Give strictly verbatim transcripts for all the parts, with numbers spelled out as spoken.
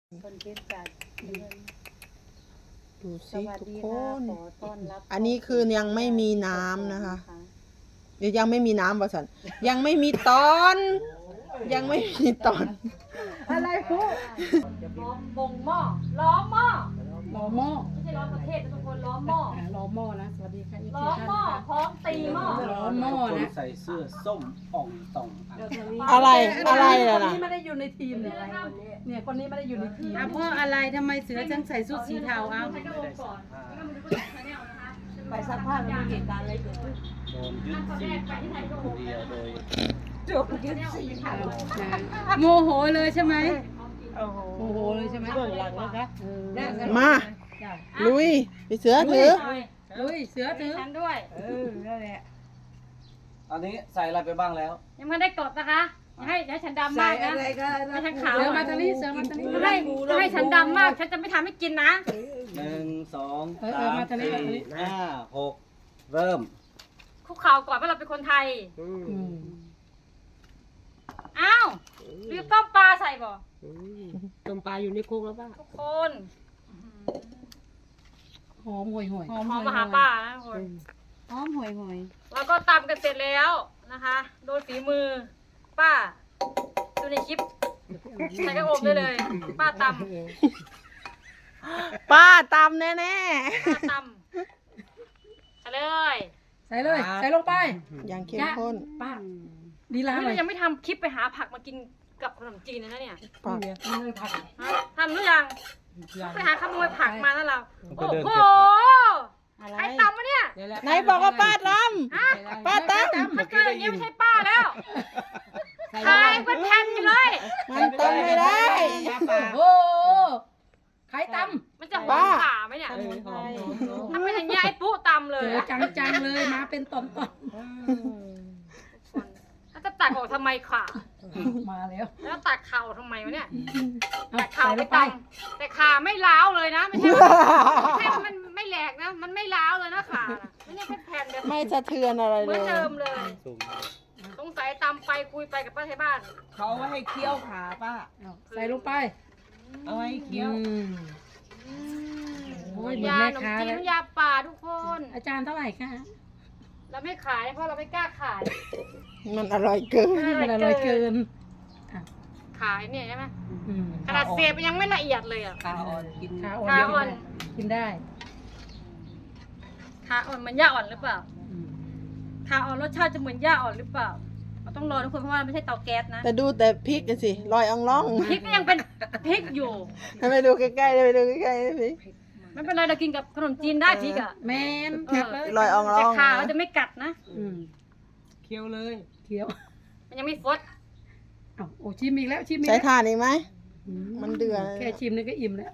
คนคิดจัดเดือนดูสสิวัสทุกดีคค่ะนขอต้อนรับอันนี้คือยังไม่มีน้ำนะคะ เดี๋ยวยังไม่มีน้ำบ่สันยังไม่มีตอน ยังไม่มีตอนอะไรพวกล้อมบงหม้อล้อมหม้อล้อหม้อไม่ใช่ล้อมประเทศนะทุกคนล้อมหม้ออ่าล้อหม้อนะสวัสดีค่ะอีกล้ทีอมท่านหม้อนะคะพร้อมตีหม้อล้อหม้อคนนะใส่เสื้อส้มอ่องต่องอ่ะอะไรอะไรคล่ะนนะนี้ไม่ได้อยู่ในทีมเนี่ยเนี่ยคนนี้ไม่ได้อยู่ในทีมอ่ะเพราะอะไรทำไมเสือจังใส่ชุดสีเทาเอาให้กระโดดก่อนแล้วก็มาดูก็ชาแนลนะคะไปซักผ้าแล้วมีเหตุการณ์อะไรเกิดขึ้นโดนยึดสี่พันคนเดียวโดยจบยึดสี่ค่ะโมโหเลยใช่ไหมโอ้โหโมโหเลยใช่ไหมเบื้องหลังนะคะมา ลุยไปเสือถือลุยเสือถือฉันด้วยเออนั่นแหละอันนี้ใส่อะไรไปบ้างแล้วยังไม่ได้กดนะคะอย่าให้อย่าให้ฉันดำใส่มากนะอะไรก็ไม่ทั้งขาวเสือมาตอนนี้เสือมาตอนนี้ถ้าให้ถ้าให้ฉันดำมากฉันจะไม่ทำให้กินนะหนึ่งสองเออเออสามมาตอนนี้มาตอนนี้สี่ห้าหกเริ่มคุกเข่าก่อนว่าเราเป็นคนไทยอืมอ้าวรีบต้มปลาใส่บ่ต้มปลาอยู่ในคุกแล้วป่ะทุกคนหอมห่วยห่วยหอมมาหาป้านะทุกคนหอมห่วยห่วยแล้วก็ตำกันเสร็จแล้วนะคะ โดยฝีมือ ป้าดูในคลิปใส่กระโอบได้เลย ป้าตำป้าตำแน่ป้าตำใส่เลยใส่เลยใส่ลงไปๆอย่างเข้มข้นป้าดีลานี่หน่อเรายยังไม่ทำคลิปไปหาผักมากินกับขนมจีนเลยนะเนี่ยป้าฮะทำหรือยังไปหาขโมยผักมาแล้วเราไปโอ้เดินโหเก็บผักใครตำวะเนี่ยไหนบอกว่าป้าตฮะำป้าตมันเกินอย่างนี้ไม่ใช่ป้าแล้วขายเป็นแผ่นอยู่เลยำมันตำไม่ได้โอ้ใครตมันจะหอป้ามขาไหมเนี่ยถ้าเป็นอย่างนี้ไอ้ปุ๊ตำเลำยเจอจังจังๆเลยมาเป็นตอนตอนแล้วจะตักออกทำไมขามาแล้วแล้วตักเข่าทำไมวะเนี่ยเอาตักใส่เข่าลไปงไปตำแต่ขาไม่ล้าวเลยนะไม่ใช่ว่าไม่ใช่ว่ามันไม่แหลกนะ มันไม่ล้าวเลยนะขาน่ะไม่ใช่แค่แผ่นเดียวไม่สะเทือนอะไรเหเลมือนยเดิมเลยซูมสงสัยตำไปคุยไปกับป้าไทยบ้านเขาเอาไว้ให้เคี้ยวขาป้าเอาใส่ลงไปเอาไว้ให้เคี้ยวอืม โอ้ยเหมือนยาแม่ขนมค้าจีนแล้วน้ำยาป่าทุกคนอาจารย์เท่าไหร่คะเราไม่ขายเพราะเราไม่กล้าขายมันอร่อยเกินมันอร่อยเกินขายเนี่ยใช่ไหมอืมขนาดเสียบยังไม่ละเอียดเลยอ่ะขาอ่อนกินขาอ่อนขาอ่อนกินได้ขาอ่อนเหมือนหญ้าอ่อนหรือเปล่าอืมขาอ่อนรสชาติจะเหมือนหญ้าอ่อนหรือเปล่าเราต้องรอทุกคนเพราะว่ามันไม่ใช่เตาแก๊สนะแต่ดูแต่พริกกันสิลอยอ่องล่องพริกก็ยังเป็นพริกอยู่ให้ไปดูใกล้ๆเลยไปดูใกล้ๆเลยสิไม่เป็นไรเรากินกับขนมจีนได้พริกอ่ะแมนเออลอยอ่องล่แต่องขาเราจะไม่กัดนะอืมเคี้ยวเลยเคี้ยวมันยังไม่ฟดอ้าวโอ้ชิมอีกแล้วชิมอีกใช้แล้วถ่านอีกไหมอืมันเดือดแค่ชิมนี่ก็อิ่มแล้ว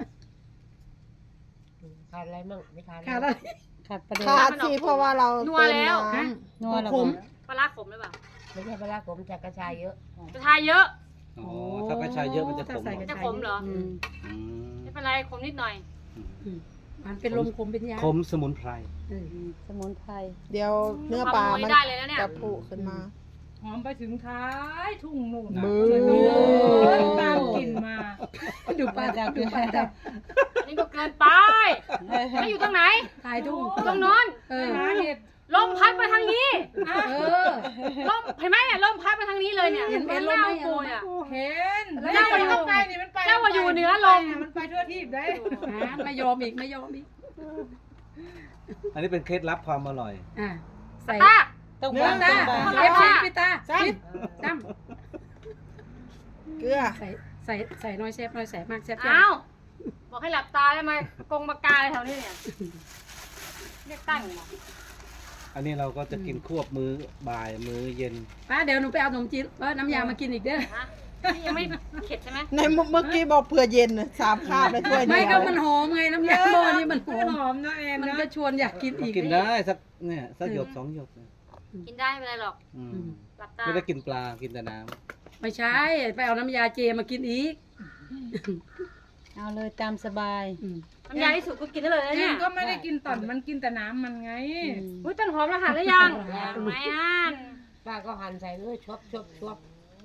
ขาดอะไรมั่งไม่ขาดขาดอะไรขาดประเด็นขาดสิเพราะว่าเราเติมน้ฮะำนัวขมปลาร้าขมหรือเปล่าไม่ใช่ปลาร้าผมจากกระชายเยอะจะทายเยอะอ๋อถ้ากระชายเยอะมันจะขมถ้าใส่กจะระขมเหรออืมอืมไม่เป็นไรขมนิดหน่อยอืมมันเป็นลมขมเป็นยาขมสมุนไพรเออสมุนไพรเดี๋ยวเนื้อปลามันได้เลยนะเนี่ยจะผุขึ้นมาหอมไปถึงท้ายทุ่งนู่นมือตามกลิ่นมาดูปลาดาวดูปลาดาวอันนี้ก็เกินไปไม่อยู่ตรงไหนถ่ายทุ่งตรงโน้นเออหาเห็ดลมพัดไปทางนี้เออลมเห็นไหมเนี่ยลมพัดไปทางนี้เลยเนี่ยเห็นเห็นลมไหมปูเนี่ยเห็นแล้วเจ้าเจ้าอยู่ใกล้นี่มันไปเจ้าว่าอยู่เหนือลมมันไปทั่วทีบได้อ่ะไม่ยอมอีกไม่ยอมอีกอันนี้เป็นเคล็ดลับความอร่อยอ่ะใส่ตาต้องเนื้อวางตาต้องวางเอฟซีพิตาพิตตั้มเกลือใส่ใส่ใส่น้อยแซ่บน้อยแซ่บมากแซ่บอ้าวบอกให้หลับตาได้ไหมกงมากาอะไรแถวนี้เนี่ยเรียกตั้งเหรออันนี้เราก็จะกินควบมื้อบ่ายมื้อเย็นป้าเดี๋ยวหนูไปเอาขนมจีนเออน้ำยามากินอีกเด้อฮะนี่ยังไม่เข็ดใช่ไหมในเมื่อกี้บอกเผื่อเย็นน่ะสามคาบไปถ้วยเดีไม่ยวก็มันหอมไงน้ำยาหม้อนี่มันหอมหอมเนาะแอนมันเนาะก็ชวนอยากกินก็อีกกินได้สักเนี่ยสักหยดสองหยดนะกินได้ไม่เป็นไรหรอกอืมหลับตาไม่ได้กินปลากินแต่น้ไม่ใช่ไปเอาน้ำยาเจมากินอีกเอาเลยตามสบายอืมน้ำยาที่สุดก็กินได้เลยนะแอเนี่นยก็ไม่ได้กินต่อนมันกินแต่น้ำมันไงอุ้ยต้นหอมรหัสหรือยังไม่อ่านป้าก็หั่นใส่เลยชอบชอบชอบ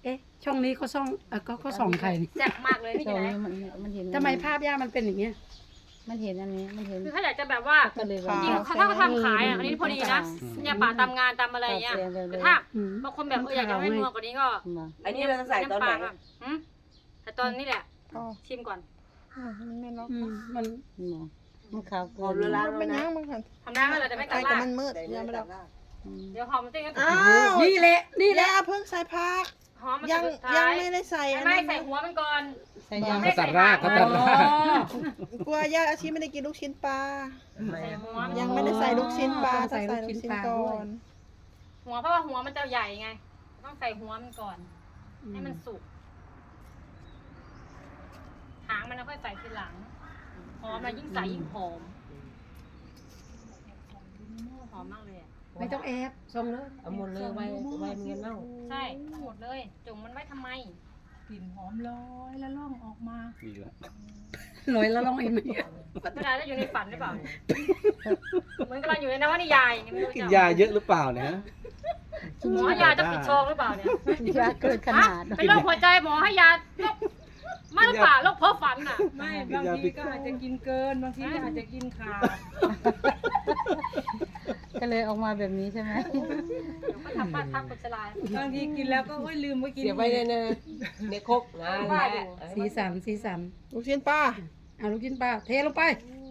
เอ๊ะ ช่องนี้เขาส่องเออเขาเขาส่องใครนี่แซ่บมากเลยพี่ตรจะงไหนนี้มันมันเห็นทำไมภาพย่ามันเป็นอย่างเงี้ยมันเห็นอันนี้มันเห็นคือถ้าอยากจะแบบว่าก็เลยค่ะจริงเขาถ้าเขาทำขายอ่ะอันนี้พอดีนะเนี่ยป่าตามงานตามอะไรเงี้ยแต่ถ้าอืมบางคนแบบเอออยากจะให้นัวกว่านี้ก็อันนี้เราจะใส่ตอนไหนหืมแต่ตอนนี้แหละอ๋อชิมก่อนมันไม่ล็อกอืมมันมันขาวเกินมันเป็นยังมันกันทำได้ไหมเราจะไม่ไอ้ตัดแต่ลากมันมืดอย่ามาล็อกเดี๋ยวหอมมันเต้นกันอ้าวนี่แหละ นี่แหย่าละเพิ่งใส่ผักหอมมันยังสุดท้ายังยไม่ได้ใส่อันไม่นั้นใส่หัวมันก่อนใส่ยางเขาตัดรากเขาตัดรากกลัวย่าอาชีไม่ได้กินลูกชิ้นปลาใส่หัวยังไม่ได้ใส่ลูกชิ้นปลาอ๋อต้องใส่ลูกชิ้นก่อนหัวเพราะว่าหัวมันจะใหญ่ไง ต้องใส่หัวมันก่อน ให้มันสุก หางมันแล้วค่อยใส่ทีหลัง หอมนะยิ่งใส่ยิ่งหอม หอมมากเลยอ่ะไม่ต้องแอบส่งเลยเอาหมดเลยไว้ไว้เงินเน่าใช่ทั้งหมดเลย จุ่มมันไว้ทำไมกลิ่นหอมลอยแล้วล่องออกมาดีแล้วลอยแล้วลองเห็นไหมเวลาจะอยู่ในฝันหรือเปล่าเนี่ยเหมือนกำลังอยู่ในนวนิยายอย่างเงี้ยไม่รู้กินจะยาเยอะหรือเปล่าเนี่ยฮะหมอยาจะปิดโชงหรือเปล่าเนี่ยยาเกินขนาดฮะเป็นโรคหัวใจหมอให้ยาโรคไม่หรือเปล่าโรคเพ้อฝันน่ะไม่บางทีก็อาจจะกินเกินบางทีก็อาจจะกินขาดก็เลยออกมาแบบนี้ใช่ไหมเดี๋ยวก็ทำบ้านพักคนชราบางทีกินแล้วก็โอ้ยลืมไว้กินเสียไว้ในในในครกนะว่าอยู่สีสันสีสันลูกชิ้นปลาเอาลูกชิ้นปลาเทลงไป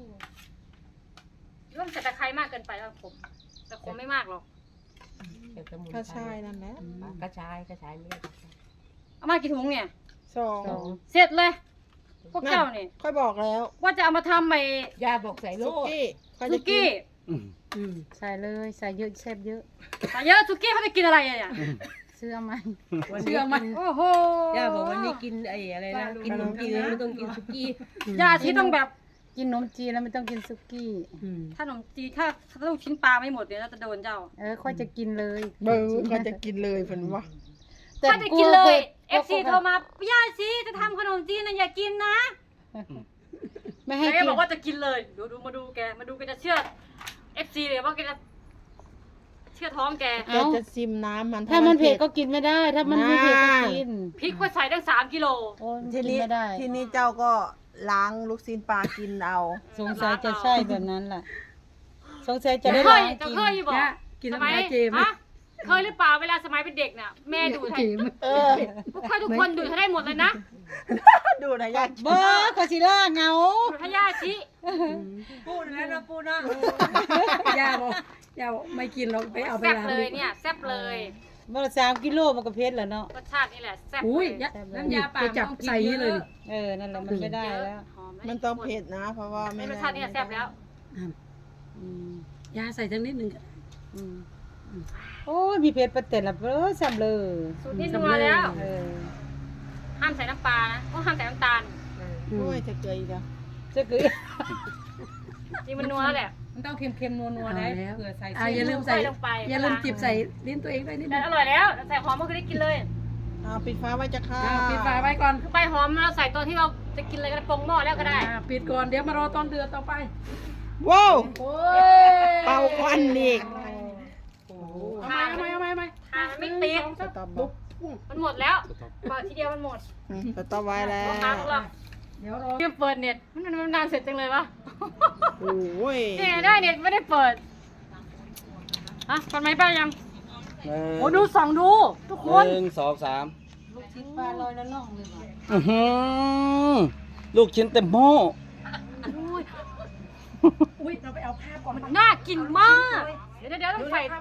เริ่มจะตะไคร้มากเกินไปแล้วผมแต่คงไม่มากหรอกกระชายนั่นแหละกระชายกระชายไม่ได้เอามากี่ถุงเนี่ยสองสองเสร็จเลย พวกเจ้าเนี่ยค่อยบอกแล้วว่าจะเอามาทำไอ้ยาบอกใส่โลสุดกี้ค่อยซุจะกินกี้อืมอืมใส่เลยใส่เยอะแซ่บเยอะแต่เยอะซุกี้เขาจะกินอะไรอะเนี่ยเชื่อไหมเชื่อไหมโอ้โหย่าบอกวันนี้กินไอ้อะไรนะกินขนมจีนไม่ต้องกินสุกี้ยาที่ต้องแบบกินขนมจีนแล้วไม่ต้องกินสุกี้อืมถ้าขนมจีนถ้าถ้าลูกชิ้นปลาไม่หมดเนี่ยเราจะโดนเจ้าเออค่อยจะกินเลยเบอร์ค่อยจะกินเลยเพิ่นว่าถ้าจะกินเลย เอฟซีโทรมาย่าชีจะทำขนมจีนนะอย่ากินนะไม่ให้แกกินบอกว่าจะกินเลย ดูดูมาดูแก มาดูแกจะเชื่อเอฟซีเลยว่าแกจะเชื่อท้องแกแกจะซิมน้ำมันถ้ามันเผ็ดก็กินไม่ได้ ถ้ามันไม่เผ็ดก็กินพริกก็ใส่ตั้งสามกิโลโอ้ยทีกินนี้ไม่ได้ทีนี้เจ้าก็ล้างลูกชิ้นปลากินเอาสงสัยจะใช่แบบนั้นแหละสงสัยจะได้เคล้าย งจะกินเคยอยู่บอกย่ากินสน้ำมัยยาเจไหมฮะเคยหรือเปล่าเวลาสมัยเป็นเด็กน่ะแม่ดูดให้เจมเออพวกค่อยทุกคนดูดให้ได้หมดเลยนะดูนะยากเบอร์ก็สิล่าเงาดูดให้ย่าชิปูนแล้วนะปูนะย่าบอกย่าบอกไม่กินหรอกไปเอาไปแซ่บล้างเลยเนี่ยแซ่บเลยเมื่อสามกิโลมันก็เผ็ดแล้วเนาะรสชาตินี่แหละแซ่บอุ้ยเลยย่าน้ำยาป่าไปจับใส่นี่เลยเออ นั่นแหละมันไม่ได้แล้วหอมมันต้องเผ็ดนะ เพราะว่าไม่ไม่รสชาตินี่แหละแซ่บแล้วอืมย่าใส่ทั้งนิดหนึ่งอืมโอ้ยมีเผ็ดประเต็นละเบ้อแซ่บเลยสูตรนี้นัวแล้วเออห้ามใส่น้ำปลานะต้องห้ามใส่น้ำตาลโอ้ยจะเกยอีกแล้วจะคือจริงมันนัวแล้วแหละมันต้องเค็มๆนัวๆนะเผื่อใส่อ่าเส้นอย่าลืมใส่ใส่ลงไปอย่าลืมจิบใส่ลิ้นตัวเองด้วยนิดนึแต่งอร่อยแล้วใส่หอมก็คือได้กินเลยเอาปิดฟ้าไว้จะค่ะอ่าปิดฝาไว้ก่อนคือใบหอมเราใส่ตอนที่เราจะกินอะไรก็ได้ปรุงหม้อแล้วก็ได้อ่าปิดก่อนเดี๋ยวมารอตอนเดือดต่อไปว้าวโอ้ยเป่าควันอีกเอาไหมเอาไหมเอาไหมเอาไหมทานไม่ติดสต็อปบุ๊กมันหมดแล้วเปิดทีเดียวมันหมดอืมสต็อปไว้แล้วลูกค้าของเราเดี๋ยวรอเพิ่งเปิดเน็ตมันมันนานเสร็จจังเลยวะโอ้ยเนี่ยได้เน็ตไม่ได้เปิดฮะกดไหมป้ายังหนึ่งโอ้ดูส่องดู ทุกคนหนึ่งสองสามลูกชิ้นปลาลอยละล่องเลยว่ะอื้อหือลูกชิ้นเต็มหม้ออุ้ยเราไปเอาภาพก่อนมันน่ากินมาก เดี๋ยวเดี๋ยวต้องใส่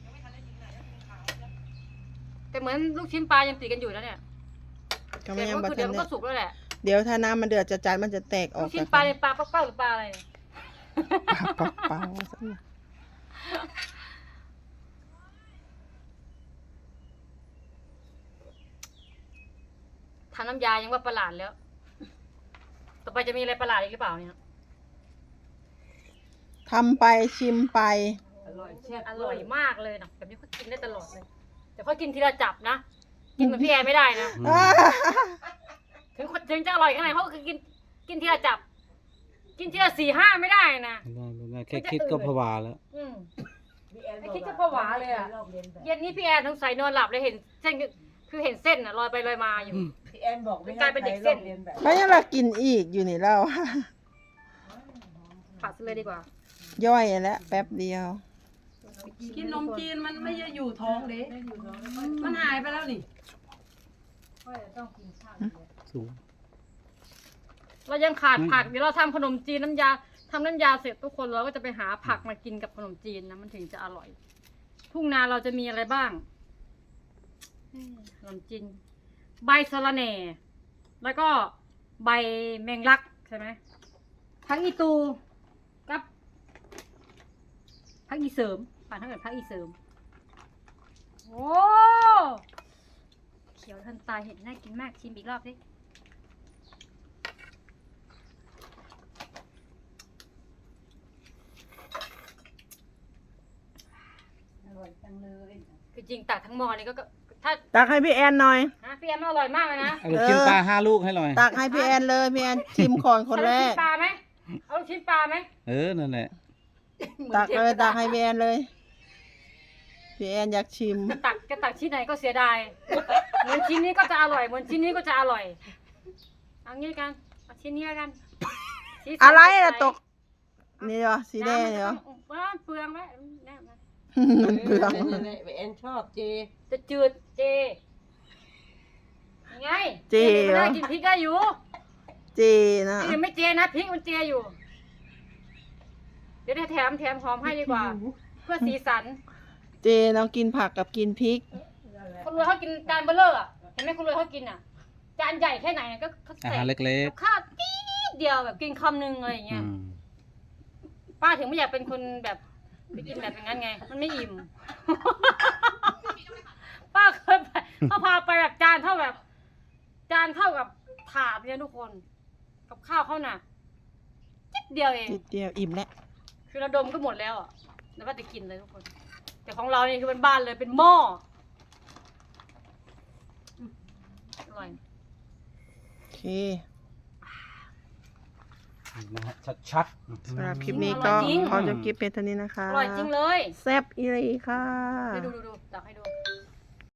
แต่เหมือนลูกชิ้นปลายังติดกันอยู่นะเนี่ยก็เสร็ไม่จยังก็บัคือทัเดี๋ยนวมันเนี่ก็ยสุกแล้วแหละเดี๋ยวถ้าน้ำมันเดือดจะจานมันจะแตกอลูอกกชิ้นจากปลากันเป็นปลาเป้าๆหรือปลาอะไรเป่าเป่าซะหน่อยทำน้ำยายังว่าประหลาดแล้ว ต่อไปจะมีอะไรประหลาดอีกหรือเปล่าเนี่ยทำไปชิมไปอร่อยแซ่บอร่อยมากเลยนะแบบนี้เขากินได้ตลอดเลย แต่เขากินทีละจับนะ กินเหมือนพี่แอร์ไม่ได้นะ ถึงคนถึงจะอร่อยแค่ไหนเขาก็คือกินกินทีละจับ กินทีละสี่ห้าไม่ได้นะไม่ได้ไม่ได้แค่คิดก็ผวาแล้วอืมไอ้คิดจะผวาเลยอ่ะ เย็นนี้พี่แอนสงสัยนอนหลับเลยเห็นเส้นคือเห็นเส้นอ่ะลอยไปลอยมาอยู่พี่แอนบอกไม่กลายเป็นเด็กเส้นให้ใครลอกเรียนแบบไม่ยังเรากินอีกอยู่นี่เราผัดเลยดีกว่าย่อยแล้วแป๊บเดียวกินนมจีนมันไม่ได้อยู่ท้องเด้มันหายไปแล้วนี่สูงเรายังขาดผักเดี๋ยวเราทำขนมจีนน้ำยาทำน้ำยาเสร็จทุกคนเราก็จะไปหาผักมากินกับขนมจีนนะมันถึงจะอร่อย ทุ่งนาเราจะมีอะไรบ้างอืมขนมจีนใบสะระแหน่ แล้วก็ใบแมงลักใช่ไหมผักอีตูกับผักอีเสริมป่านถ้าเกิดผักอีเสริมโอ้เขียวทันตาเห็นน่ากินมากชิมอีกรอบสิคือจริงตักทั้งหม้อนี่ก็ก็ถ้าตักให้พี่แอนหน่อยฮะพี่แอมอร่อยมากเลยนะเอาลูกชิ้นปลาห้าลูกให้หน่อยตักให้พี่แอนเลยพี่แอนชิมก่อนคนแรเอาลูกชิ้นปลาไหมเอาลูกชิ้นปลาไหมเออ นั่นแหละตักเลยตักให้พี่แอนเลยพี่แอนอยากชิมจะตักจะตักชิ้นไหนก็เสียดายเหมือนชิ้นนี้ก็จะอร่อยเหมือนชิ้นนี้ก็จะอร่อยเอางี้กันเอาชิ้นนี้แล้วกันสีสันอะไรสดล่ะใสตก นี่เหรอสีแดงเหรอน้ำมันก็ต้องเปลืองไหมแน่ไหมมันเปลืองพี่แอนชอบเจจะจืดเจยังไงเจมันเหรอได้กินพริกได้อยู่เจนะพริกไม่เจนะพริกมันเจอยู่ เดี๋ยวได้แถมแถมหอมให้ดีกว่า เพื่อสีสันเจน้องกินผักกับกินพริกคนรวยเขากินจานเบลเลอร์อ่ะเห็นไหมคนรวยเขากินอ่ะ จานใหญ่แค่ไหนก็เขาอาใส่หารเล็กกับข้าวตีดเดียวแบบกินคำนึงอะไรอย่างๆเงี้อืยมป้าถึงไม่อยากเป็นคนแบบไปกินแบบอย่างนั้นไง มันไม่อิ่ม ป้าเคยไปเขาพาไปแบบจานเท่าแบบ จานเท่ากับถาดเนี่ยทุกคน กับข้าวเขาน่ะจิบเดียวเองจิตเดียวอิ่มแล้วคือเราดมก็หมดแล้วอ่ะแล้วก็จะกินเลยทุกคน แต่ของเรานี่คือเป็นบ้านเลยเป็นหม้ออืมอร่อยโอเคนะฮะชัดๆสำหรับคลิปนี้ก็ขอจบคลิปเป็นเท่านี้นะคะอร่อยจริงเลยแซ่บอีหลีค่ะดูดูดูดูตักให้ดู